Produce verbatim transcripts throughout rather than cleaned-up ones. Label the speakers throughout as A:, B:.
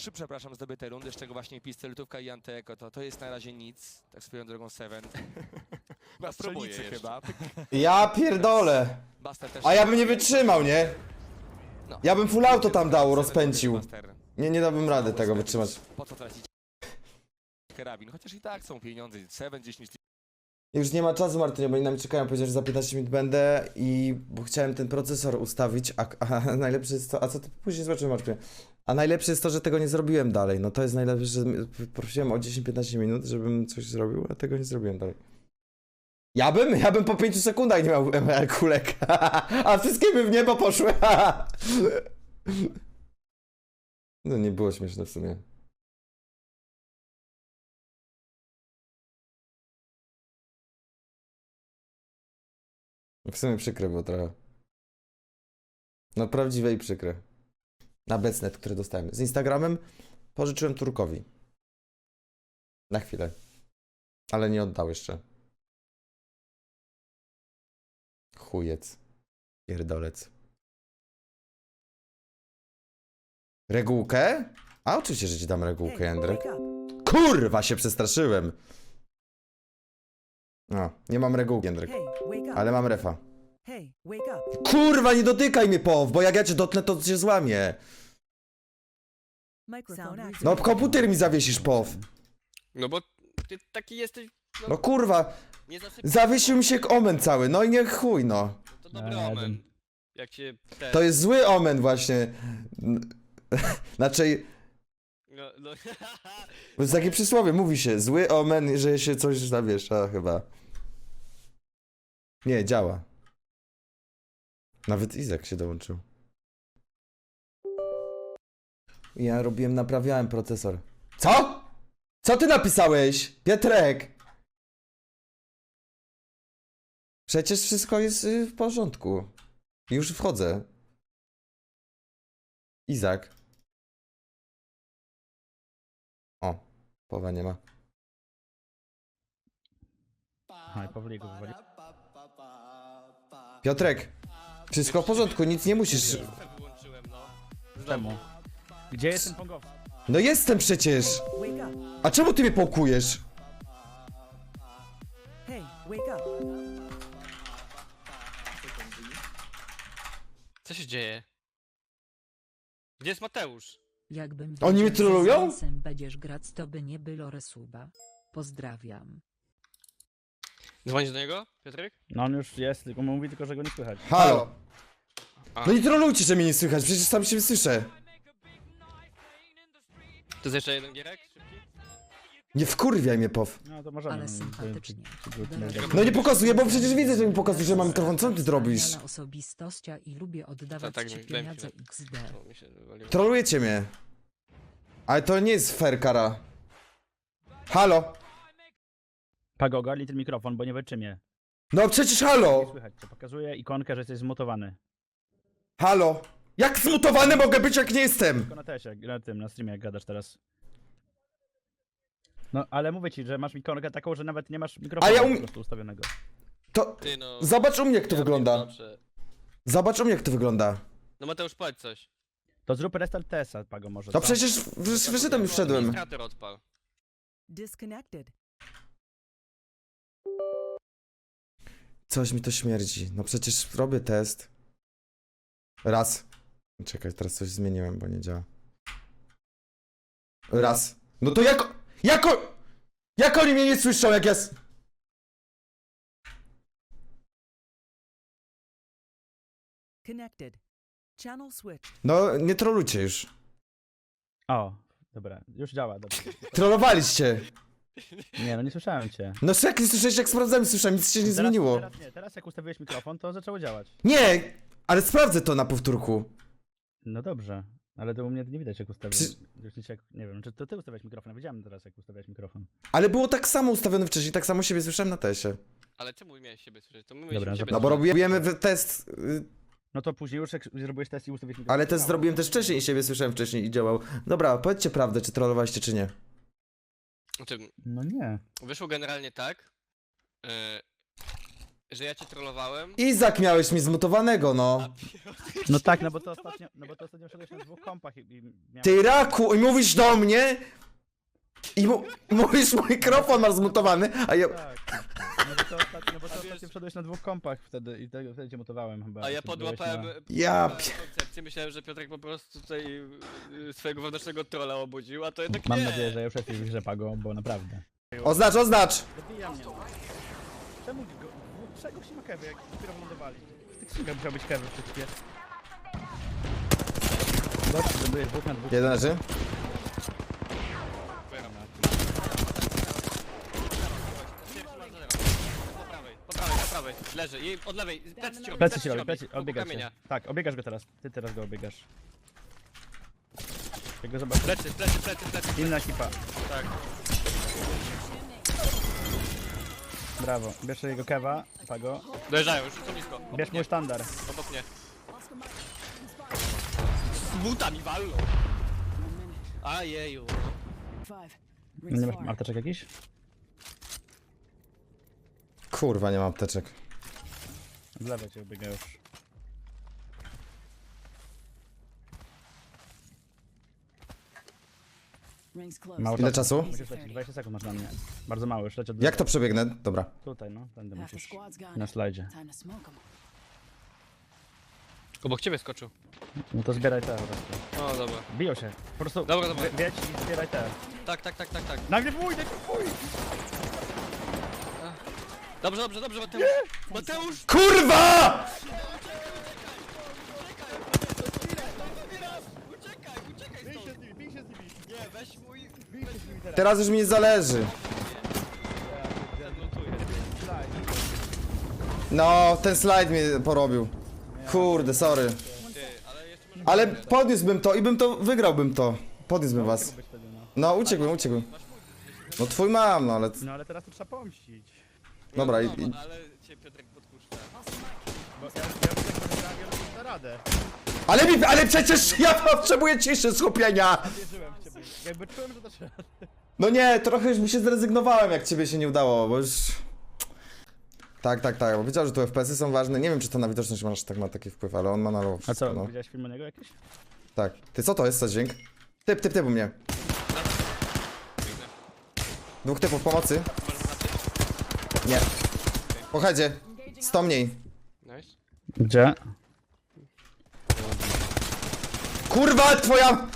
A: trzy, przepraszam, zdobyte rundy, z czego właśnie pistoletówka i Anteko, to to jest na razie nic, tak swoją drogą Seven. Na
B: Spróbuję
A: strzelnicy
B: jeszcze.
A: chyba.
C: Ja pierdolę.
A: Buster też.
C: A ja bym nie wytrzymał, nie?
A: No.
C: Ja bym full auto tam dał,
A: Seven
C: rozpędził.
A: Buster.
C: Nie, nie dałbym rady tego wytrzymać.
A: Po co tracić karabin? Chociaż i tak są pieniądze. Seven, dziesięć
C: Już nie ma czasu, Martynie, bo oni na mnie czekają. Powiedział, że za piętnaście minut będę i... Bo chciałem ten procesor ustawić, a, a najlepsze jest to... A co ty później zobaczymy, Martynie? A najlepsze jest to, że tego nie zrobiłem dalej. No to jest najlepsze, że prosiłem o dziesięć piętnaście minut, żebym coś zrobił, a tego nie zrobiłem dalej. Ja bym, ja bym po pięciu sekundach nie miał M L kulek. A wszystkie by w niebo poszły. No nie było śmieszne w sumie. W sumie przykre było trochę. No prawdziwe i przykre. Na Becnet, które dostałem. Z Instagramem pożyczyłem Turkowi. Na chwilę. Ale nie oddał jeszcze. Chujec. Pierdolec. Regułkę? A oczywiście, że ci dam regułkę, Jędrek. Kurwa, się przestraszyłem. No, nie mam regułki, Jędrek. Ale mam refa. Kurwa, nie dotykaj mnie, Pow, bo jak ja cię dotknę, to cię złamię. No, komputer mi zawiesisz, Pow.
B: No bo ty taki jesteś... No,
C: No kurwa,
B: nie zasypiasz.
C: zawiesił mi się omen cały, no i nie chuj, no.
B: To dobry
D: Nie,
B: omen.
D: jeden.
B: Jak cię... Te...
C: To jest zły omen właśnie. Znaczy,
B: No, no.
C: to jest takie przysłowie, mówi się, zły omen, że się coś zawiesza chyba. Nie, działa. Nawet Izak się dołączył. Ja robiłem, naprawiałem procesor. Co? Co ty napisałeś? Pietrek! Przecież wszystko jest y, w porządku. Już wchodzę. Izak. O, połowa nie ma.
D: Aha, i Pawliku wywali.
C: Piotrek, wszystko w porządku, nic nie musisz.
B: Listę wyłączyłem, no.
D: Czemu? Gdzie jest ten pongowski?
C: No jestem przecież! A czemu ty mnie pałkujesz?
E: Hey, wake up.
B: Co się dzieje? Gdzie jest Mateusz?
F: Jakbym
C: Oni mnie
F: wiedział, że
C: trollują?
F: z Jensem będziesz grać, to by nie było resuba. Pozdrawiam.
B: Dzwonisz do niego, Piotrek?
D: No on już jest, tylko mówi tylko, że go nie słychać.
C: Halo!
B: A.
C: No nie trolujcie, że mnie nie słychać, przecież sam się słyszę.
B: To jest jeszcze jeden gierek? Szybki?
C: Nie wkurwiaj mnie, Pow.
D: No to możemy.
F: Ale
D: no, to-
F: sympatycznie.
D: to- to- to-
F: Denerwuje
C: No nie pokazuję, bo przecież widzę, że mi pokazuje, że mam mikrofon. Co ty zrobisz?
F: Wspaniala osobistościa i lubię oddawać
B: tak,
F: ci
B: daj mi chwilę.
F: pieniądze X D.
B: O, mi się wywaliło.
C: Trolujecie mnie. Ale to nie jest fair, kara. Halo?
D: Pago, ogarnij ten mikrofon, bo nie wytrzymie.
C: No przecież
D: Nie
C: halo!
D: słychać cię. Pokazuje ikonkę, że jesteś zmutowany.
C: Halo? Jak zmutowany mogę być, jak nie jestem?
D: Tylko na tesie, na tym, na streamie jak gadasz teraz. No, ale mówię ci, że masz ikonkę taką, że nawet nie masz mikrofonu
C: ja um-
D: po prostu ustawionego.
C: To...
B: Ty no...
C: Zobacz u mnie, jak to
B: ja
C: wygląda.
B: pierdolę.
C: Zobacz u mnie, jak to wygląda.
B: No Mateusz, powiedz coś.
D: To zrób restart T S a, Pago, może.
C: No
D: co?
C: przecież wys- wyszedłem i wszedłem.
B: Administrator odpal.
E: Disconnected.
C: Coś mi to śmierdzi. No przecież robię test. Raz. Czekaj, teraz coś zmieniłem, bo nie działa. Raz. No to jak... Jako... Jak oni mnie nie słyszą, jak jest...
E: Connected. Channel switch.
C: No, nie trolujcie już.
D: O, dobra, już działa, dobrze.
C: Trollowaliście.
D: Nie, no nie słyszałem cię.
C: No jak nie słyszałeś, jak sprawdzałem, słyszałem, nic się nie
D: Teraz-
C: zmieniło.
D: Teraz nie, teraz jak ustawiłeś mikrofon, to zaczęło działać.
C: Nie! Ale sprawdzę to na powtórku.
D: No dobrze, ale to u mnie nie widać jak ustawiłem.
C: Przy-
D: Już nic jak, nie wiem, czy to ty ustawiałeś mikrofon, ja wiedziałem teraz jak ustawiałeś mikrofon.
C: Ale było tak samo ustawione wcześniej, tak samo siebie słyszałem na teście.
B: Ale czemu miałeś siebie słyszeć? To my
D: Dobra,
B: mieliśmy siebie
C: No bo
B: słyszeć.
C: robimy w- test... y,
D: No to później już jak zrobiłeś test i ustawiłeś mikrofon.
C: Ale
D: to
C: test
D: działało.
C: zrobiłem też wcześniej i siebie słyszałem wcześniej i działał. Dobra, powiedzcie prawdę, czy trollowaliście, czy nie.
B: Znaczy,
D: No nie.
B: wyszło generalnie tak. Yy, że ja cię trollowałem.
C: Izak miałeś mi zmutowanego, no.
D: No tak, no bo to ostatnio, no bo to ostatnio szedłeś na dwóch kompach i, i miałem...
C: Ty raku, i mówisz do mnie i mu mówisz, mikrofon masz zmutowany, a ja...
D: Tak. No bo to ostatnio, no bo to ostatnio wszedłeś na dwóch kompach wtedy i tego wtedy cię mutowałem chyba.
B: A ja
D: jak byłeś
B: podłapałem
D: na-
C: Ja
B: podłapałem koncepcję, myślałem, że Piotrek po prostu tutaj y, swojego wewnętrznego trolla obudził, a to jednak
D: Mam
B: nie.
D: nadzieję, że już jesteś w grze, Pago, bo naprawdę.
C: Oznacz, oznacz!
D: Dobija mnie. Czemu go... no, Czego się ma kewy, jak dopiero wylądowali? W tych singach musiał być kewy wszystkie. Dobrze, lądujesz dwóch na dwóch.
C: Jeden leży.
B: Po prawej, po prawej, po prawej. Leży. I od lewej. Plecy ci robi.
D: Plecy ci robi,
B: robi.
D: plecy,
B: Wokół
D: obiegasz się.
B: kamienia.
D: Tak, obiegasz go teraz. Ty teraz go obiegasz. Jak go zobaczysz.
B: Plecy, plecy, plecy, plecy.
D: Inna ekipa.
B: Tak.
D: Brawo. Bierz jego kewa, Pago.
B: Dojeżdżają, już są blisko. Obok
D: Bierz
B: mnie,
D: mój sztandar.
B: obok mnie. Z butami walną. Ajeju.
D: Nie masz apteczek jakiś?
C: Kurwa, nie mam apteczek.
D: Z lewej cię obiega już. Mało
C: Ile
D: czasu.
C: czasu?
D: Musisz lecieć, dwadzieścia sekund masz na mnie. Bardzo mało, już leci od
C: Jak to przebiegnę? Dobra.
D: Tutaj, no, tędy musisz. Na slajdzie.
B: Obok ciebie skoczył.
D: No to zbieraj te po prostu.
B: O, dobra.
D: Biją się. Po prostu
B: Dobra, dobra.
D: wie- wiedź i zbieraj te.
B: Tak, tak, tak, tak, tak.
D: Nagle wuj, nagle wuj!
B: Dobrze, dobrze, dobrze, Mateusz. Mateusz!
C: KURWA!
B: Uciekaj, uciekaj stąd.
D: bij się z nimi.
B: Nie, weź mój...
C: Teraz już mi nie zależy. No, ten slajd mnie porobił. Kurde, sorry.
B: Ty, ale jeszcze może...
C: Ale podniósłbym to i bym to, wygrałbym to. Podniósłbym was.
D: Być wtedy, no.
C: No, uciekłbym, uciekłbym. No twój mam, no ale...
D: No ale teraz to trzeba pomścić.
C: Dobra, i...
B: No,
C: i...
B: ale cię Piotrek podpuszcza.
D: Bo ja, ja bym tak powiedziałem, ja na radę.
C: Ale mi, ale przecież ja potrzebuję ciszy, skupienia!
D: Wierzyłem w ciebie. Jakby czułem, że to trzeba.
C: No nie, trochę już mi się zrezygnowałem, jak ciebie się nie udało, bo już... Tak, tak, tak, bo wiedział, że tu F P S-y są ważne. Nie wiem, czy to na widoczność masz tak ma taki wpływ, ale on ma na low
D: A
C: wszystko,
D: co,
C: no.
D: widziałeś film o niego jakiś?
C: Tak. Ty, co to jest za dźwięk? Typ, typ, typ u mnie. Dwóch typów pomocy. Nie. Po headzie. sto mniej.
B: Nice.
D: Gdzie?
C: Kurwa, twoja...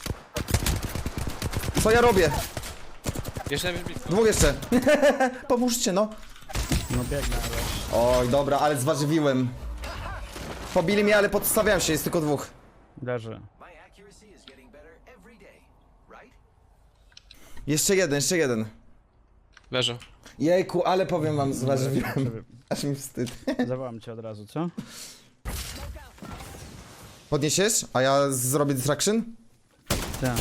C: Co ja robię?
B: Jeszcze najpierw blisko.
C: Dwóch jeszcze. Pomóżcie, no.
D: No biegnę, ale...
C: Oj, dobra, ale zważywiłem. Pobili mnie, ale podstawiałem się, jest tylko dwóch.
D: Leży.
C: Jeszcze jeden, jeszcze jeden.
B: Leży.
C: Jejku, ale powiem wam, zważywiłem.
D: Żeby-
C: Aż mi wstyd.
D: Zawołam cię od razu, co?
C: Podniesiesz? A ja zrobię distraction?
D: Tak.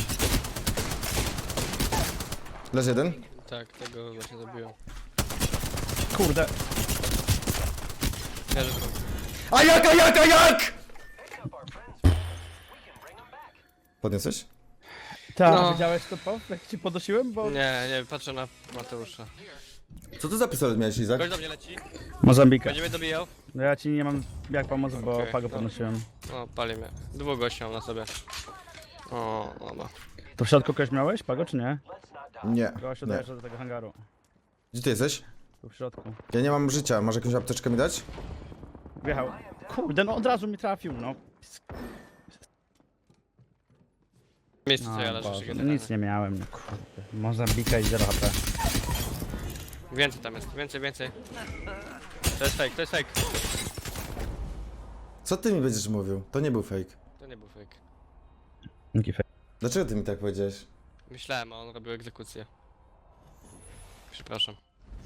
C: Leży jeden.
B: Tak, tego właśnie zabiłem.
D: Kurde.
B: Leży drugi.
C: A jak, a jak, a jak? Podniosłeś?
D: Tak,
B: No.
D: widziałeś to po? Jak ci podnosiłem? Bo...
B: Nie, nie, patrzę na Mateusza.
C: Co to za pistolet miałeś, Izak?
B: Gość do mnie leci.
D: Mozambika.
B: Będzie mnie dobijał.
D: No ja ci nie mam jak pomóc, bo
B: Okej,
D: Pago
B: no.
D: podnosiłem.
B: O, pali mnie. Dwóch gości mam na sobie. O, dobra.
D: To w środku kogoś miałeś, Pago, czy nie?
C: Nie,
D: Gościu
C: nie.
D: dojeżdża do tego hangaru.
C: Gdzie ty jesteś?
D: Tu w środku.
C: Ja nie mam życia, może jakąś apteczkę mi dać?
D: Wjechał. Kurde, no od razu mi trafił, no.
B: Miejsce co ja
D: No,
B: leżę
D: Boże,
B: przy
D: no
B: generalnie.
D: nic nie miałem, no kurde. Mozambika i zero H P.
B: Więcej tam jest, więcej, więcej. To jest fake, to jest fake.
C: Co ty mi będziesz mówił? To nie był fake.
B: To nie był fake.
D: Jaki fe...
C: Dlaczego ty mi tak powiedziałeś?
B: Myślałem, a on robił egzekucję. Przepraszam.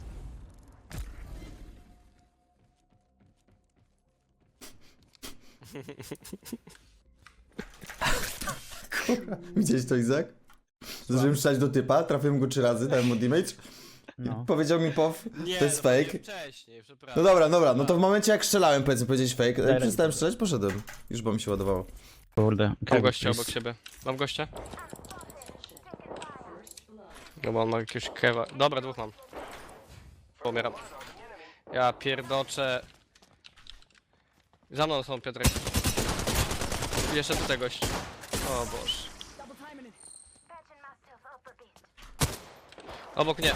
C: Widziałeś to, Izak? Zdążyłem strzelać do typa, trafiłem go trzy razy, dałem mu damage.
D: No.
C: Powiedział mi pow,
B: Nie,
C: to jest
B: no,
C: fake.
B: wcześniej,
C: No
B: przepraszam.
C: dobra, dobra, no to w momencie jak strzelałem, powiedzmy, powiedziałeś fake, jak
D: Daj
C: przestałem
D: rękę.
C: strzelać, poszedłem. Już bo mi się ładowało.
D: Kurde.
B: Mam gościa obok siebie. Mam gościa? No bo on ma jakiegoś kewa. Dobra, dwóch mam. Pomieram. Ja pierdoczę. Za mną są, Piotrek. I jeszcze tutaj gość. O Boże. Obok nie.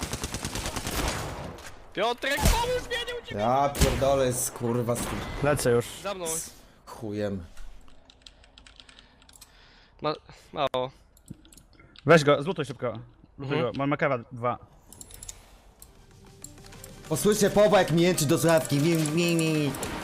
B: Piotrek, pomóż mnie, nie uciekaj!
C: Ja pierdolę, jest kurwa z tym
D: Lecę już.
B: Za mną.
C: chujem.
B: Ma... Mało.
D: Weź go, zlutuj szybko. Zlutuj
B: Mhm.
D: go, mam Makewa dwa.
C: Posłyszę Powa jak mi jęczy do słuchawki. Mi, mi, mi.